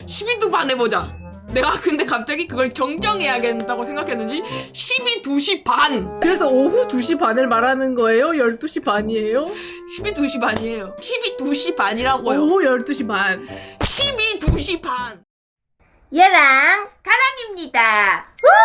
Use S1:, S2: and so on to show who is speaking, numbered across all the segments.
S1: 12두 반 해보자. 내가 근데 갑자기 그걸 정정해야겠다고 생각했는지 12, 2시 반.
S2: 그래서 오후 2시 반을 말하는 거예요? 12시 반이에요?
S1: 12, 2시 반이에요. 12, 2시 반이라고요.
S2: 오후 12시 반.
S1: 12, 2시 반.
S3: 얘랑 가랑입니다.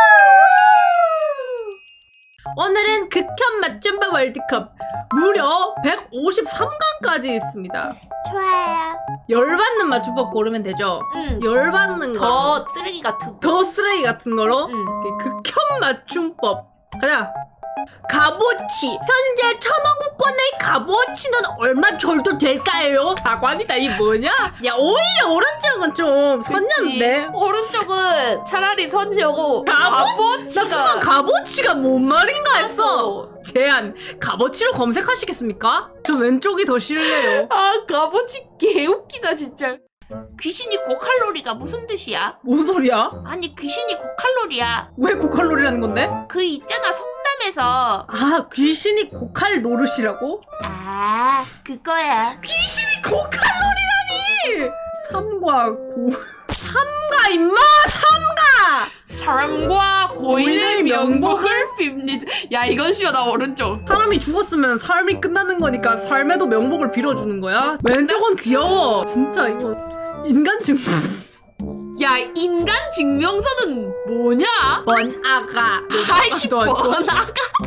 S2: 오늘은 극혐 맞춤법 월드컵 무려 153강까지 있습니다.
S3: 좋아요.
S2: 열받는 맞춤법 고르면 되죠? 열받는 거.
S1: 더 쓰레기 같은.
S2: 더 쓰레기 같은 거로
S1: 응.
S2: 극혐 맞춤법 가자. 값어치 현재 천원국권의 값어치는 얼마 정도 될까요? 가관이다. 이 뭐냐? 야 오히려 오른쪽은 좀 선녀인데.
S1: 오른쪽은 차라리 선녀고
S2: 나
S1: 값어치가
S2: 순간 값어치가 뭔 말인가 했어.
S1: 맞어.
S2: 제안 값어치로 검색하시겠습니까? 저 왼쪽이 더 싫네요.
S1: 아 값어치 개웃기다 진짜. 귀신이 고칼로리가 무슨 뜻이야?
S2: 뭔 소리야?
S1: 아니 귀신이 고칼로리야.
S2: 왜 고칼로리라는 건데?
S1: 그 있잖아 속담에서.
S2: 아 귀신이 고칼 노릇이라고?
S1: 아 그거야.
S2: 귀신이 고칼로리라니! 삼과 고... 삼가 임마! 삼가!
S1: 사람과 고인의
S2: 고인의
S1: 명복을 빕니다. 야 이건 쉬워. 나 오른쪽.
S2: 사람이 죽었으면 삶이 끝나는 거니까 삶에도 명복을 빌어주는 거야? 왼쪽은 귀여워. 진짜 이거 인간 증...
S1: 야 인간 증명서는 뭐냐?
S2: 번아가.
S1: 아이씨 번아가.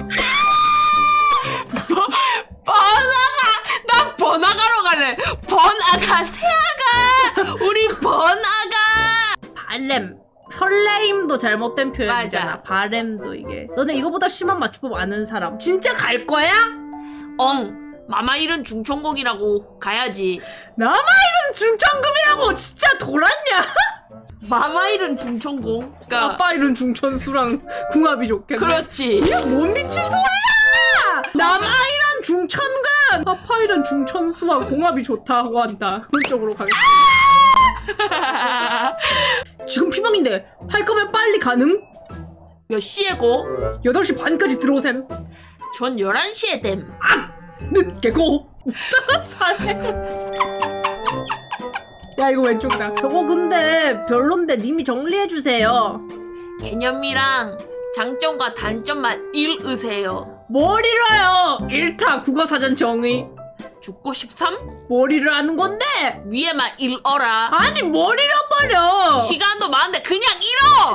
S1: 번아가. 나 번아가로 갈래. 번아가 새아가. 우리 번아가.
S2: 바램. 설레임도 잘못된 표현이잖아.
S1: 맞아.
S2: 바램도 이게. 너네 이거보다 심한 맞춤법 아는 사람 진짜 갈 거야?
S1: 마마일은 중천공이라고 가야지.
S2: 남아있는 중천금이라고 진짜 돌았냐?
S1: 마마일은 중천공. 그러니까
S2: 아빠 이름 중천수랑 궁합이 좋겠네.
S1: 그렇지.
S2: 이게 뭔 미친 소리야! 남아이란 중천금! 아빠이란 중천수와 궁합이 좋다고 한다. 그쪽으로 가겠습니다. 지금 피망인데 할 거면 빨리 가능?
S1: 몇 시에 고?
S2: 8시 반까지 들어오셈.
S1: 전 11시에 됨.
S2: 늦게 고! 웃다가 살래. 야 이거 왼쪽이다. 저거 근데 별론데 님이 정리해주세요.
S1: 개념이랑 장점과 단점만 읽으세요.
S2: 뭘 잃어요? 1타 국어사전 정의.
S1: 죽고 싶삼?
S2: 머리를 하는 건데
S1: 위에만 읽어라.
S2: 아니 뭘 잃어버려.
S1: 시간도 많은데 그냥 읽어!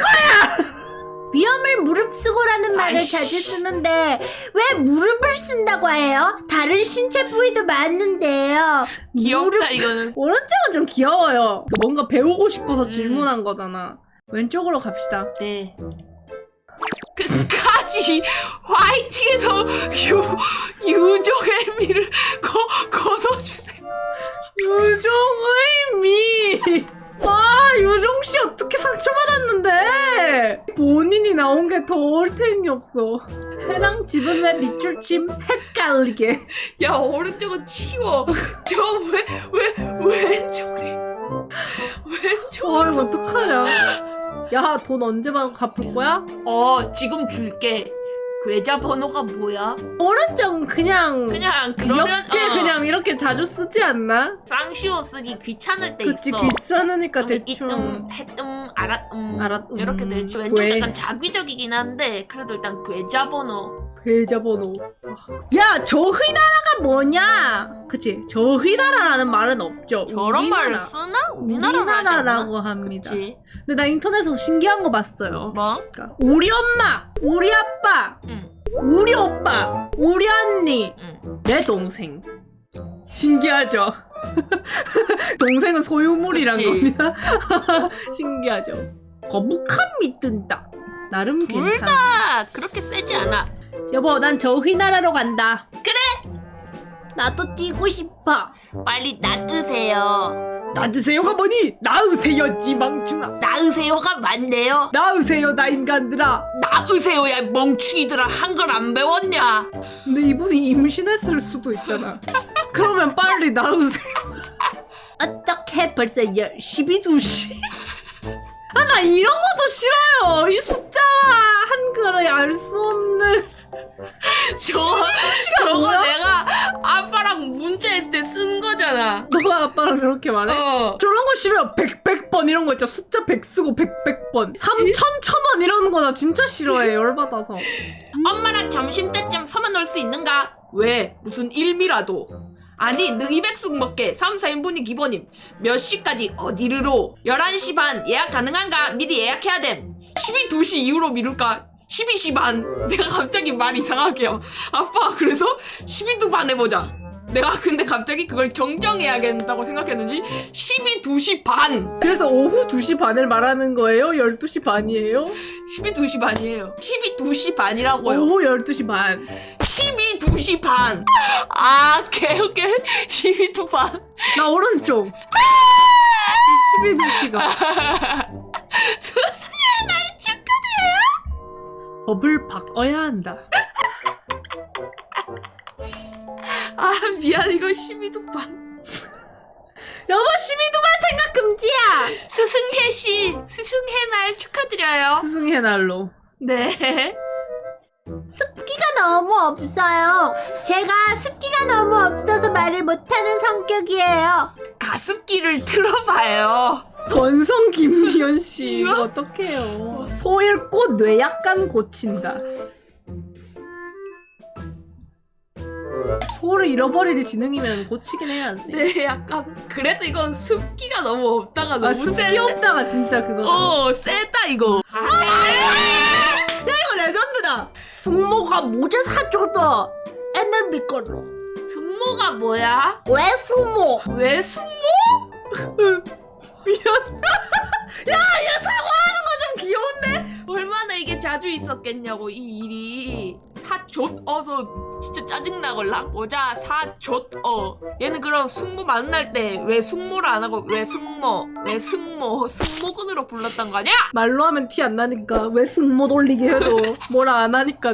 S3: 위험을 무릅쓰고라는 말을
S1: 아이씨.
S3: 자주 쓰는데 왜 무릎을 쓴다고 해요? 다른 신체 부위도 많은데요.
S1: 귀엽다 이거는.
S2: 오른쪽은 좀 귀여워요. 뭔가 배우고 싶어서 질문한 거잖아. 왼쪽으로 갑시다.
S1: 네. 끝까지 화이팅해서 유종의 미를 거둬주세요.
S2: 유종의 미. 아 유종씨 어떻게 상처받았는데. 본인이 나온 게 더 얼탱이 없어. 해랑 집은 왜 밑줄침 헷갈리게.
S1: 야 오른쪽은 치워. 저 왜 왼쪽에
S2: 어 이거 어떡하냐. 야 돈 언제 갚을 거야?
S1: 지금 줄게. 계좌번호가 뭐야?
S2: 오른쪽은 그냥
S1: 그냥
S2: 귀엽게
S1: 그러면
S2: 그냥 이렇게 자주 쓰지 않나?
S1: 쌍시오 쓰기 귀찮을 때
S2: 그치
S1: 있어.
S2: 귀찮으니까
S1: 그러면
S2: 대충
S1: 알았 이렇게 되지. 왼쪽
S2: 왜?
S1: 약간 자기적이긴 한데 그래도 일단 계좌번호.
S2: 계좌번호. 야 저희나라가 뭐냐? 그치 저희나라라는 말은 없죠.
S1: 저런
S2: 우리나라.
S1: 말을 쓰나? 우리나라라고 하지 않나?
S2: 우리나라라고 합니다.
S1: 그치.
S2: 근데 나 인터넷에서 신기한 거 봤어요.
S1: 뭐?
S2: 그러니까 우리 엄마, 우리 아빠,
S1: 응.
S2: 우리 오빠, 우리 언니,
S1: 응.
S2: 내 동생. 신기하죠? 동생은 소유물이란
S1: 그치.
S2: 겁니다. 신기하죠? 거북함이 뜬다. 나름
S1: 둘
S2: 괜찮아.
S1: 다 그렇게 세지 않아.
S2: 여보, 난 저휘나라로 간다.
S1: 그래?
S3: 나도 뛰고 싶어.
S1: 빨리 낳으세요.
S2: 낳으세요가 뭐니? 낳으세요, 지망충아.
S1: 낳으세요가 맞네요.
S2: 낳으세요, 나 인간들아.
S1: 낳으세요, 야 멍충이들아. 한글 안 배웠냐?
S2: 근데 이분이 임신했을 수도 있잖아. 그러면 빨리 낳으세요.
S3: 어떻게 벌써
S2: 12시? 아, 나 이런 것도 싫어요. 이 숫자와 한글을 알 수 없는.
S1: 저거
S2: 뭐야?
S1: 내가 아빠랑 문자했을 때 쓴 거잖아.
S2: 너가 아빠랑 이렇게 말해?
S1: 어.
S2: 저런 거 싫어요. 100번 이런 거 있죠. 숫자 100 쓰고 100번 3,000, 1,000원 이러는 거 나 진짜 싫어해. 열받아서.
S1: 엄마랑 점심때쯤 서면 올 수 있는가? 왜? 무슨 일미라도. 아니 너 200숙 먹게 3, 4인분이 기본임. 몇 시까지 어디르로? 11시 반 예약 가능한가? 미리 예약해야 됨. 12시 이후로 미룰까? 12시 반. 내가 갑자기 말 이상하게요. 아빠 그래서 12두 반 해보자. 내가 근데 갑자기 그걸 정정해야겠다고 생각했는지 12시 반.
S2: 그래서 오후 2시 반을 말하는 거예요? 12시 반이에요?
S1: 12시 반이에요. 12시 반이라고요.
S2: 오후 12시 반.
S1: 12시 반. 아, 개웃겨. 12두 반.
S2: 나 오른쪽. 12시가.
S1: 스승의 날 축하드려요.
S2: 법을 바꿔야 한다.
S1: 아, 미안. 이거 12두 반.
S2: 여보 12두만 생각 금지야.
S1: 스승혜 씨, 스승의 날 축하드려요.
S2: 스승의 날로.
S1: 네.
S3: 습기가 너무 없어요. 제가 습기가 너무 없어서 말을 못하는 성격이에요.
S1: 가습기를 틀어봐요.
S2: 건성 김미연 씨
S1: 싫어?
S2: 이거 어떡해요. 소 잃고 뇌약간 고친다. 소를 잃어버릴 지능이면 고치긴 해야지.
S1: 네, 약간 그래도 이건 습기가 너무 없다가 너무
S2: 아 습기
S1: 센데.
S2: 없다가 진짜 그거.
S1: 세다 이거.
S2: 이거 레전드다.
S3: 승모가 모자 사줘도 MMB 걸로.
S1: 승모가 뭐야?
S3: 왜 승모?
S1: 왜 승모?
S2: 좀 귀여운데?
S1: 얼마나 이게 자주 있었겠냐고 이 일이. 사좆어서 진짜 짜증나걸라. 모자 사좆어. 얘는 그런 승모 만날 때 왜 승모를 안 하고 왜 승모 왜 승모 승모근으로 불렀단 거 아니야?
S2: 말로 하면 티 안 나니까 왜 승모 돌리게 해도 뭐라 안 하니까.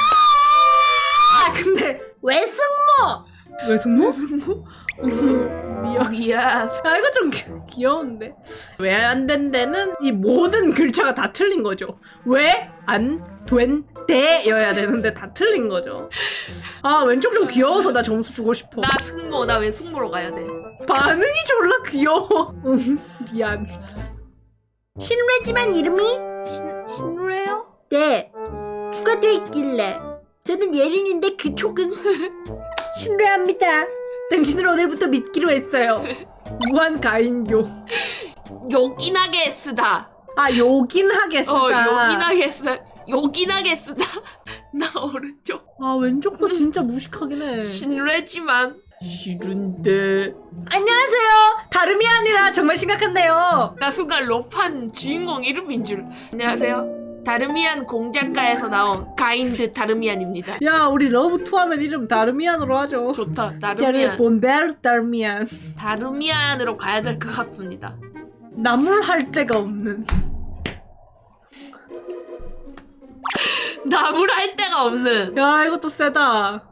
S2: 아 근데
S3: 왜 승모?
S2: 왜 승모? 미안.
S1: 미안.
S2: 아 이거 좀 귀여운데. 왜 안 된대는 이 모든 글자가 다 틀린 거죠. 왜 안 된대여야 되는데 다 틀린 거죠. 아 왼쪽 좀 귀여워서 나 점수 주고 싶어.
S1: 나 승모. 나 왜 승모로 가야 돼?
S2: 반응이 졸라 귀여워. 미안.
S3: 신뢰지만 이름이
S1: 신뢰요?
S3: 네 추가되어 있길래 저는 예린인데 그 촉은 신뢰합니다.
S2: 당신을 오늘부터 믿기로 했어요. 무한 가인교.
S1: 요긴하게 쓰다.
S2: 아 요긴하게 쓰다.
S1: 요긴하게 쓰다. 요긴하게 쓰다. 나 오른쪽.
S2: 아 왼쪽도 진짜 무식하긴 해.
S1: 신뢰지만
S2: 싫은데. 안녕하세요. 다름이 아니라 정말 심각한데요.
S1: 나 순간 로판 주인공 이름인 줄. 안녕하세요. 다르미안 공작가에서 나온 가인드 다르미안입니다.
S2: 야 우리 러브2 하면 이름 다르미안으로 하죠.
S1: 좋다.
S2: 야를
S1: 다르미안.
S2: 본베르 다르미안.
S1: 다르미안으로 가야 될 것 같습니다.
S2: 나물할 데가 없는.
S1: 나물 할 데가 없는.
S2: 야 이것도 세다.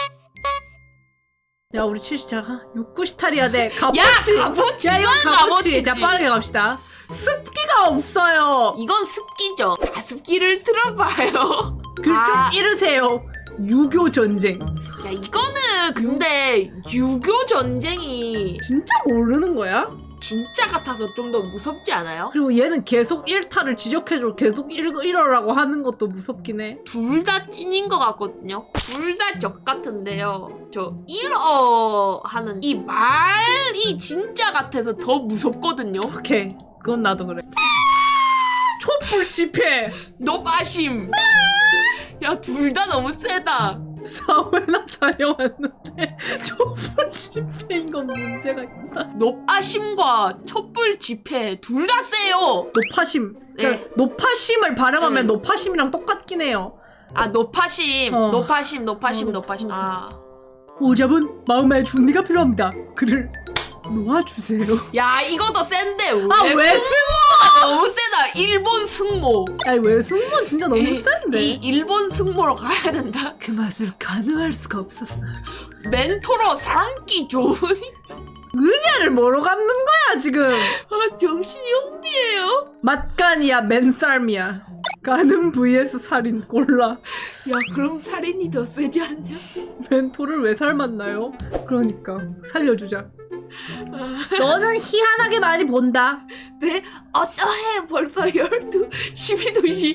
S2: 야 우리 70자 6,9시탈 해야 돼. 값어치.
S1: 값어치.
S2: 야 이거
S1: 이건
S2: 값어치.
S1: 값어치지.
S2: 자 빠르게 갑시다. 습기가 없어요.
S1: 이건 습기죠. 가습기를 틀어봐요.
S2: 글좀
S1: 아.
S2: 잃으세요. 유교 전쟁.
S1: 야 이거는 근데 유교 전쟁이
S2: 진짜 모르는 거야?
S1: 진짜 같아서 좀 더 무섭지 않아요?
S2: 그리고 얘는 계속 일타를 지적해줘. 계속 잃어라고 하는 것도 무섭긴 해.
S1: 둘 다 찐인 것 같거든요. 둘 다 적 같은데요. 저 일어 하는 이 말이 진짜 같아서 더 무섭거든요.
S2: 오케이. 그건 나도 그래. 촛불 집회.
S1: 노바심. 야 둘 다 너무 세다.
S2: 사회나 다녀왔는데 촛불 집회인 건 문제가 있다.
S1: 노파심과 촛불 집회 둘 다 세요.
S2: 노파심.
S1: 네.
S2: 그러니까 노파심을 발음하면
S1: 네.
S2: 노파심이랑 똑같긴 해요.
S1: 아 노파심,
S2: 어.
S1: 노파심.
S2: 노파심.
S1: 아,
S2: 오잡은 마음의 준비가 필요합니다. 그를 놓아주세요.
S1: 야 이거도 센데
S2: 왜
S1: 승모가 너무 세다. 일본 승모.
S2: 아니 왜 승무원 진짜 너무
S1: 이
S2: 센데.
S1: 일본 승모로 가야 된다.
S2: 그 맛을 가늠할 수가 없었어요.
S1: 멘토로 삼기 좋은.
S2: 은야를 뭐로 갚는 거야 지금.
S1: 아 정신이 혼미해요.
S2: 맛간이야 맨살미야. 가는 vs 살인 골라.
S1: 야 그럼 살인이 더 세지 않냐?
S2: 멘토를 왜 삶았나요? 그러니까 살려주자. 너는 희한하게 많이 본다.
S1: 네? 어떠해 벌써 12시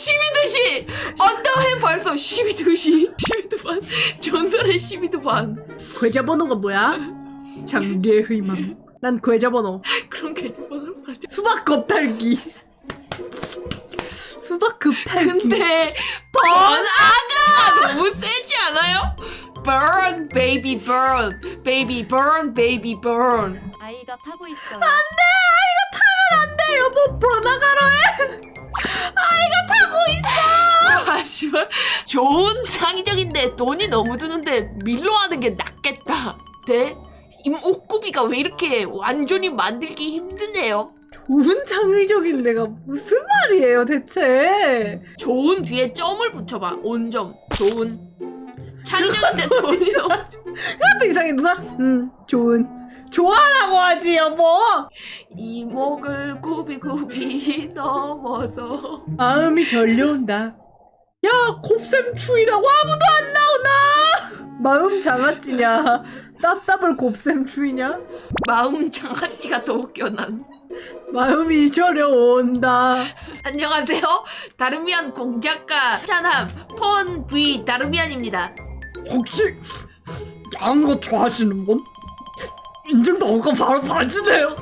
S1: 어떠해 벌써 12시 반 전날에 12도 반
S2: 계좌번호가 뭐야? 장래의 희망. 난 계좌번호.
S1: 그런 계좌번호로 가자.
S2: 수박 껍탈기. 수박 급탈기.
S1: 근데 번아가 너무 세지 않아요? Burn baby burn baby burn baby burn.
S4: 아이가 타고 있어요.
S2: 안돼 여보 번아가로 해. 아이가 타고 있어.
S1: 아 씨발 좋은 창의적인데 돈이 너무 드는데 밀로 하는 게 낫겠다. 네? 이 옷구비가 왜 이렇게 완전히 만들기 힘드네요?
S2: 좋은 창의적인 내가 무슨 말이에요 대체.
S1: 좋은 뒤에 점을 붙여봐. 온점 좋은 창의적인데 돈이 너무
S2: 그것도 이상해. 누가 좋은 좋아라고 하지 여보.
S1: 이목을 굽이굽이 넘어서
S2: 마음이 절려온다. 야 곱셈 추위라고 아무도 안 나오나. 마음 장아찌냐 답답을 곱셈 추위냐.
S1: 마음 장아찌가 더 웃겨 난.
S2: 마음이 저려온다.
S1: 안녕하세요. 다르미안 공작가 찬함 폰 V 다르미안입니다.
S2: 혹시 야한 거 좋아하시는 분? 인증도 없고 바로 봐주네요.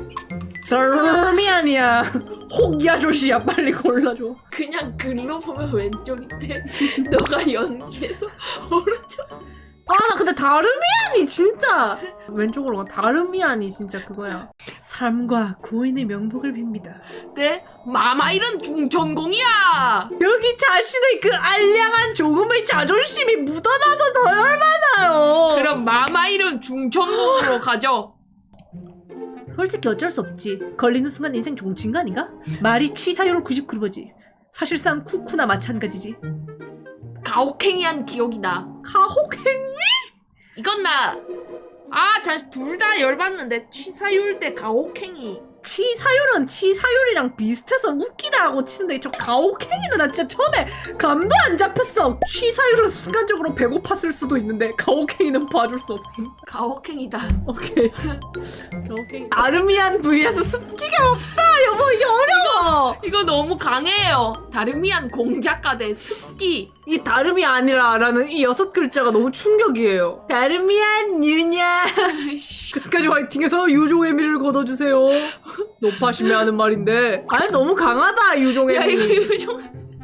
S2: 다르미안이야. 혹야조시야 빨리 골라줘.
S1: 그냥 글로 보면 왼쪽인데 너가 연기해서 오른쪽.
S2: 아 나 근데 다르미안이 진짜 왼쪽으로 가. 다르미안이 진짜 그거야. 삶과 고인의 명복을 빕니다.
S1: 네? 마마일은 중천공이야.
S2: 여기 자신의 그 알량한 조금의 자존심이 묻어나서 더 열받아요.
S1: 그럼 마마일은 중천공으로 가죠.
S2: 솔직히 어쩔 수 없지. 걸리는 순간 인생 종친 거 아닌가? 말이 취사율 99%지. 사실상 쿠쿠나 마찬가지지.
S1: 가혹행위한 기억이 나.
S2: 가혹행?
S1: 이건 나. 둘 다 열받는데 취사율 대 가혹행위.
S2: 취사율은 치사율이랑 비슷해서 웃기다 하고 치는데 저 가혹행위는 나 진짜 처음에 감도 안 잡혔어. 취사율은 순간적으로 배고팠을 수도 있는데 가혹행위는 봐줄 수 없음.
S1: 가혹행위다.
S2: 오케이. 가혹행위. 아르미안 vs 습기가 없다. 여보 이게 어려워.
S1: 이거 너무 강해요. 다르미안 공작가 대 습기.
S2: 이 다름이 아니라라는 이 6글자가 너무 충격이에요. 다름이안 유냐. 끝까지 화이팅해서 유종의 미를 거둬주세요. 높아심에 하는 말인데 아니 너무 강하다 유종의
S1: 야 이거
S2: 미.
S1: 유종.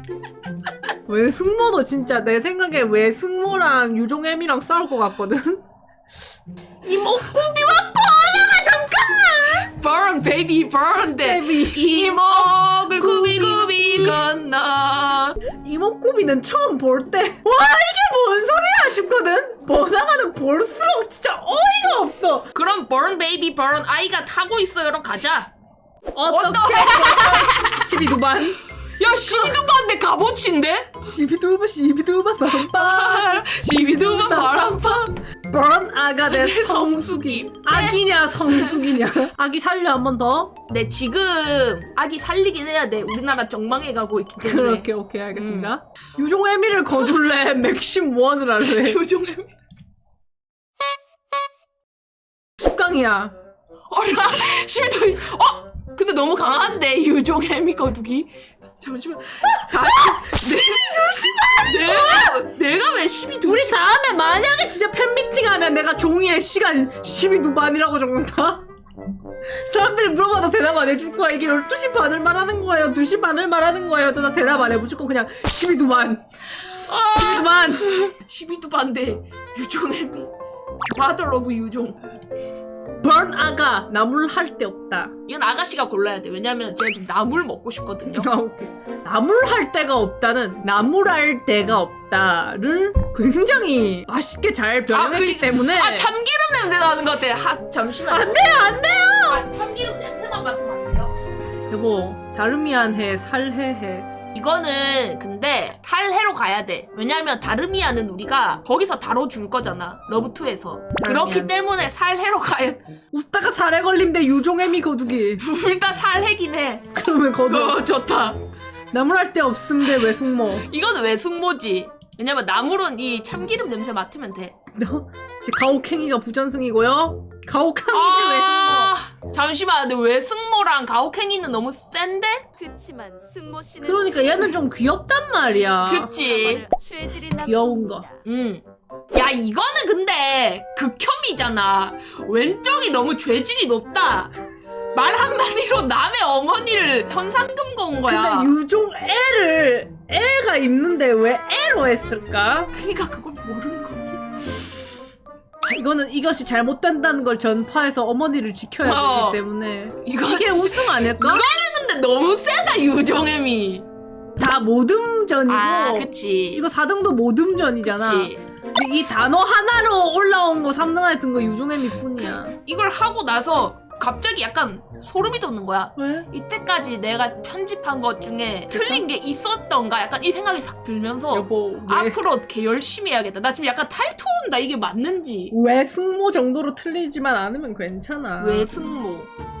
S2: 외승모도 진짜 내 생각에 외승모랑 유종의 미랑 싸울 것 같거든. 이 목구비와
S1: Burn baby burn 대
S2: Baby.
S1: 이목을 구비구비 건너.
S2: 이목구비는 처음 볼 때 와 이게 뭔 소리야 싶거든. 번화가는 볼수록 진짜 어이가 없어.
S1: 그럼 burn baby burn 아이가 타고 있어요로 가자.
S2: 어떻게 12두반
S1: 야 12두반 대 값어치인데?
S2: 12두반 바람바
S1: 12두반 바람파.
S2: 번 아가 대
S1: 성수기.
S2: 아기냐 성숙이냐. 아기 살려 한 번 더.
S1: 네 지금 아기 살리긴 해야 돼. 우리나라 정망해 가고 있기 때문에.
S2: 그렇게 오케이 알겠습니다. 유종애미를 거둘래 맥심 원을 할래.
S1: 유종의
S2: 10강이야.
S1: 어라 12두. 근데 너무 강한데 유종애미 거두기. 잠시만. 내가 왜 12두?
S2: 우리 다음에 만약에 진짜 팬미팅 하면 내가 종이에 시간 12두반이라고 적는다? 사람들이 물어봐도 대답 안 해줄 거야. 이게 12시 반을 말하는 거예요 2시 반을 말하는 거예요. 나 대답 안 해. 무조건 그냥 12두반 12두반
S1: 12두반 대 유종애미. Father of 유종.
S2: 번 아가 나물 할 데 없다.
S1: 이건 아가씨가 골라야 돼. 왜냐면 제가 지금 나물 먹고 싶거든요.
S2: 아, 오케이. 나물 할 데가 없다는 나물 할 데가 없다를 굉장히 맛있게 잘 변형했기 때문에
S1: 참기름 냄새 나는 것 같아. 잠시만.
S2: 안 돼요.
S1: 참기름 냄새만 맡으면 안 돼요?
S2: 여보 다르미안해 살해해.
S1: 이거는 근데 탈해로 가야 돼. 왜냐면 다르미안은 우리가 거기서 다뤄줄 거잖아. 러브2에서. 그렇기 때문에 살해로 가야 돼.
S2: 웃다가 살해 걸림 대 유종애미 거두기.
S1: 둘 다 살해긴 해.
S2: 그러면 거둬.
S1: 좋다.
S2: 나무랄 데 없음데 왜 숙모?
S1: 이건 왜 숙모지? 왜냐면 나물은 이 참기름 냄새 맡으면 돼.
S2: 제 가혹행위가 부전승이고요. 가혹행위인데 왜 숙모?
S1: 잠시만, 근데 왜 숙모랑 가혹행위는 너무 센데?
S4: 그치만 승모 씨는
S2: 그러니까 얘는 좀 귀엽단 말이야.
S1: 그치.
S4: 죄질이
S2: 귀여운 거.
S1: 야, 이거는 근데 극혐이잖아. 왼쪽이 너무 죄질이 높다. 말 한마디로 남의 어머니를 현상금 건 거야.
S2: 근데 유종 애가 있는데 왜 애로 했을까?
S1: 그러니까 그걸 모르는 거지.
S2: 이거는 이것이 잘못된다는 걸 전파해서 어머니를 지켜야
S1: 어.
S2: 되기 때문에
S1: 이거
S2: 이게 우승 아닐까?
S1: 근데 너무 세다, 유종애미.
S2: 다 모듬전이고
S1: 아, 그치.
S2: 이거 4등도 모듬전이잖아.
S1: 그치.
S2: 근데 이 단어 하나로 올라온 거 3등 안에 든 거 유종애미 뿐이야.
S1: 이걸 하고 나서 갑자기 약간 소름이 돋는 거야.
S2: 왜?
S1: 이때까지 내가 편집한 것 중에 틀린 게 있었던가 약간 이 생각이 싹 들면서
S2: 여보
S1: 앞으로 개 열심히 해야겠다. 나 지금 약간 탈투 온다. 이게 맞는지.
S2: 왜 승모 정도로 틀리지만 않으면 괜찮아.
S1: 왜 승모?